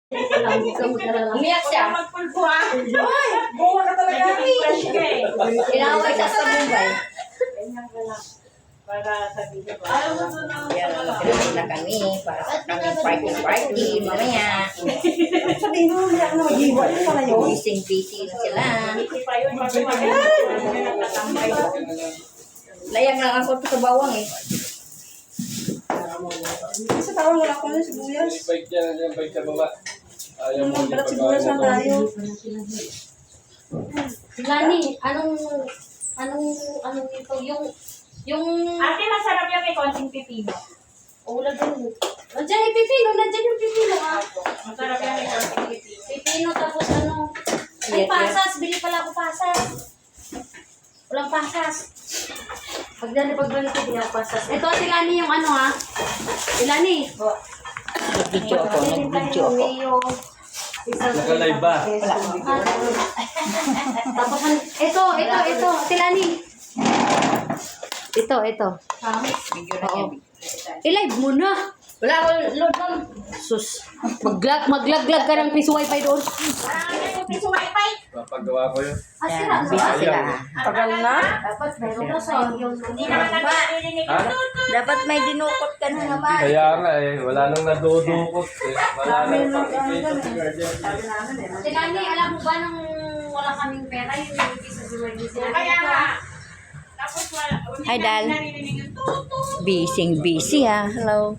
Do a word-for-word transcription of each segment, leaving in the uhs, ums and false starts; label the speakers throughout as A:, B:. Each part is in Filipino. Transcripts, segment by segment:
A: Umiyak siya.
B: Magpulpo ah. Ay, buwa ka talaga.
A: Inaway siya sa Mumbai.
B: Ganyan ka lang. Para sabihin ko.
A: Yan, magpapalala na kami para sa kami party-party mamaya.
B: Sabihin mo, umiyak na mag-iwa. Ano pala yun?
A: Busy-busy na sila.
B: Hindi pa yun. Magpapalala.
A: Layang lang ako sa bawang eh.
B: Sa tawang wala ko na sibuyas.
C: Yung bike dyan, yung bike sa baba. Ayaw mo
B: Ang balat sibuyas na tayo.
A: Lani, anong, anong, anong ito, yung, yung,
D: Ate, masarap yung may konting pipino.
A: ulam din. Nandiyan yung pipino, nandiyan yung pipino ha.
D: Masarap yung may konting pipino.
A: Pipino tapos ano, ay pasas, bili pala ako pasas. Walang pasas. Pag dali pagbalik ko, bili ako pasas. Ito, si Lani yung ano ha. Si Lani.
E: Nag-video ako, nag-video ako.
C: Naka-live ba?
A: Tapos, an- ito, ito, ito, si Lani. Ito, ito.
E: Video na
A: Oo.
E: yan.
A: I-live mo na.
E: Wala akong load ma'am.
A: Sus, maglag, maglaglag ka ng piso wifi doon.
D: Parang ano yung piso wifi?
C: Papagawa ko yun.
A: Ah,
E: Yan,
A: sira,
E: busy
A: sira.
E: sila.
B: Tagal na.
A: Dapat meron ka sa yung...
D: Hindi naman nagpapilinig
C: Ha?
D: yung
E: Dapat may dinukot ka na naman.
C: Kaya nga eh, wala nang nadudukot eh. Wala nang pakikita si Guardian.
A: Si Lani, alam mo ba nung wala kaming pera, yung nilagay sa July sila?
D: Kaya nga. Tapos wala.
E: Hi, Dal.
D: Narinig yung tutut.
E: Busy, busy ha. Hello.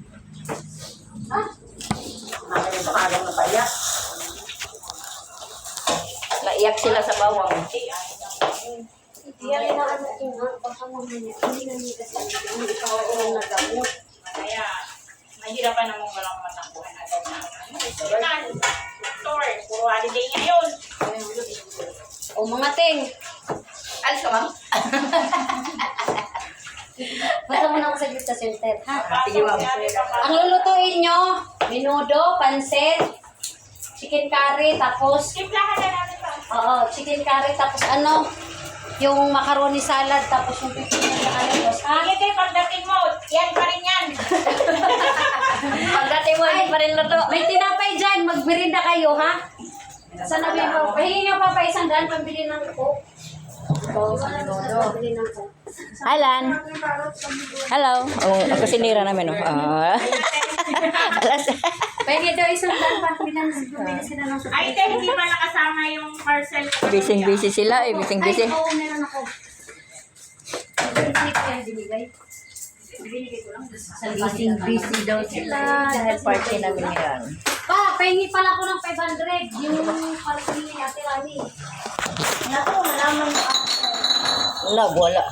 E: Naiyak sila sa bawang.
A: Hindi yan na ano ko nga, baka mamaya, hindi na nila kasi hindi pa ako lang nagamot.
D: Kaya, mahirapan namang walang matakbuhan agad na. Hospital, store, puro holiday ngayon.
A: O mga ting,
E: Alis ka ma'am?
A: basta mo na ako saglit sa center, ha?
E: Sige, ma'am.
A: Ang lulutuin nyo, minudo, pansit, chicken curry, tapos,
D: Simplahan na natin pa.
A: oo, chicken curry, tapos ano, yung macaroni salad, tapos yung pipino sa kalitos, ha?
D: Sige kayo, pagdating mo, yan pa rin yan.
E: Pagdating mo, hindi pa rin luto.
A: May tinapay dyan, magbirinda kayo, ha? Sana may mo, pahingi nyo pa pa isang daan pambili ng coke. Oo, sa minudo. Pambili ng coke.
E: Hi, Lan. Hello. Oh, ako sinira namin. Oh. Ah. Alas.
A: Pahingi daw isang daan pa, bilang bumili sila ng coke.
D: Ay, ito, hindi pa nakasama yung parcel.
E: Busy, busy sila eh. Busy, busy.
A: Ay, oo, meron ako. Binigay ko yan, binigay. Binigay ko lang.
E: Busy, busy daw sila. Dahil party namin ngayon.
A: Pa, pahingi pala ako ng five hundred. Yung party ni Ate Rani. Naku, malaman mo ako.
E: Wala, wala.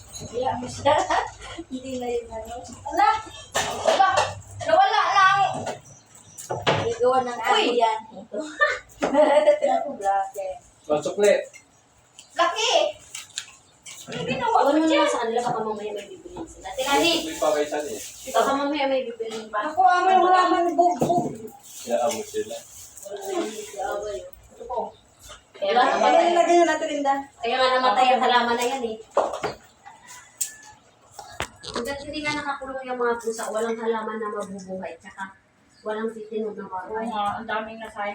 A: Hindi na yun ano.
E: Wala. Wala. Nawala lang.
A: Igawa ng
E: Uy.
A: Ate yan. Naku, blake.
C: Pasukli.
E: Laki. Ano ginawa
A: Huwag
E: mo
A: mo
E: dyan?
A: na sa kanila, baka mamaya may bibiliin sila. Ate Rani,
C: May pakaisan eh.
A: baka mamaya may bibiliin pa.
B: Ako, amay, wala man bug-bug.
C: Kaya amo sila.
A: Ito po. Kaya
B: Wala,
A: nga
B: ano
A: namatay.
B: yung lagay na natin, Linda?
A: Kaya nga namatay ang halaman na yan eh. Hanggat hindi nga nakakulong yung mga pusa, walang halaman na mabubuhay. Tsaka walang titinog na
D: Oo
A: bahay.
D: nga, ang daming nasayang.